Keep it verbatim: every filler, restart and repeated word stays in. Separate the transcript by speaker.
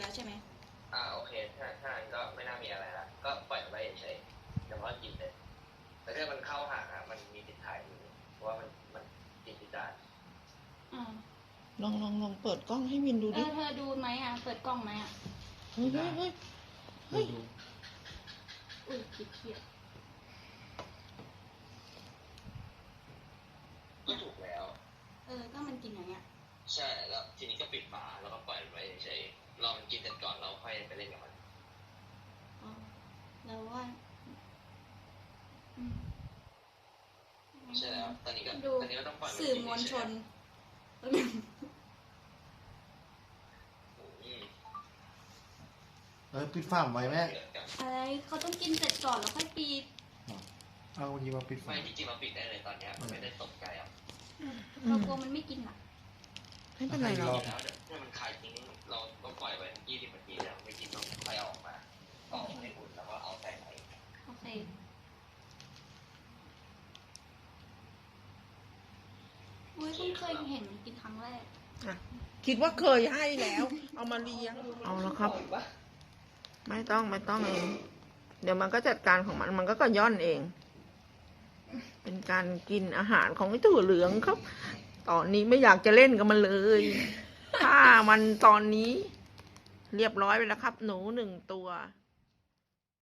Speaker 1: แล้วใช่ไหม
Speaker 2: อ่าโอเคถ้าถ้านั้นก็ไม่น่ามีอะไรละก็ปล่อยมันไว้เฉยๆแต่ว่ากินเลยแต่ถ้ามันเข้าหางอ่ะมันมีติดถ่ายอยู่เพราะว่ามันมันกินติดจาน
Speaker 1: อ่า
Speaker 3: ลองลองลองเปิดกล้องให้วินดู
Speaker 1: เอ
Speaker 3: ดิ
Speaker 1: อเธอดูไหมอ่ะเปิดกล้องไหมอ่ะ
Speaker 3: เฮ้ยเฮ้ยเฮ้ยเฮ้ย
Speaker 1: อุ้ยคิดเครียด
Speaker 2: ก็ถูกแล้ว
Speaker 1: เออก็มันกินอย่างเงี้ย
Speaker 2: ใช่แล้วทีนี้ก็ปิดฝาแล้วก็ปล่อยมันไว้เฉยๆรอมันกินเสร็จก่อนเราค่อยไปเล่นกับมัน
Speaker 1: อ๋อแล้วว่าอืม
Speaker 2: ใช่แล้วตอนนี้ก็
Speaker 1: ดู
Speaker 2: ตอนนี้ก็ต้องปล่อยน
Speaker 1: สื่อมวลชน
Speaker 2: อืม
Speaker 4: เออปิดฝ้าไว้แม่
Speaker 1: อะไรเขาต้องกินเสร็จก่อนแล้วค่อยปิด
Speaker 4: เอายีมาปิด
Speaker 2: ไม่
Speaker 4: ฝ้า
Speaker 2: จริงๆเราปิดได้เลยตอนเนี้ยไม่ได้ตกใจอ่ะ
Speaker 1: เรากลัวมันไม่กินอ่ะ
Speaker 3: ไม่เป็นไรหรอก
Speaker 2: แล้วเดี๋ยวถ้ามันคายทิ้งเราต้องปล่อยไว้ยี่สิบนาทีแล้วไม่กินต้องค่อยเอาออกมาออกในอุ่นแล้วก็เอาใส่ไว้
Speaker 1: โอเคอุ้ยเพิ่งเคยเห็นมันกินครั้งแรก
Speaker 3: อ่ะคิดว่าเคยให้แล้ว เอามาเลี้ยง เอาแล้วครับ ไม่ต้องไม่ต้องเอง เดี๋ยวมันก็จัดการของมัน มันก็ก็ย่อนเอง เป็นการกินอาหารของไอ้ถั่วเหลืองครับ ตอนนี้ไม่อยากจะเล่นกับมันเลยถ้ามันตอนนี้ เรียบร้อยไปแล้วครับ หนูหนึ่งตัว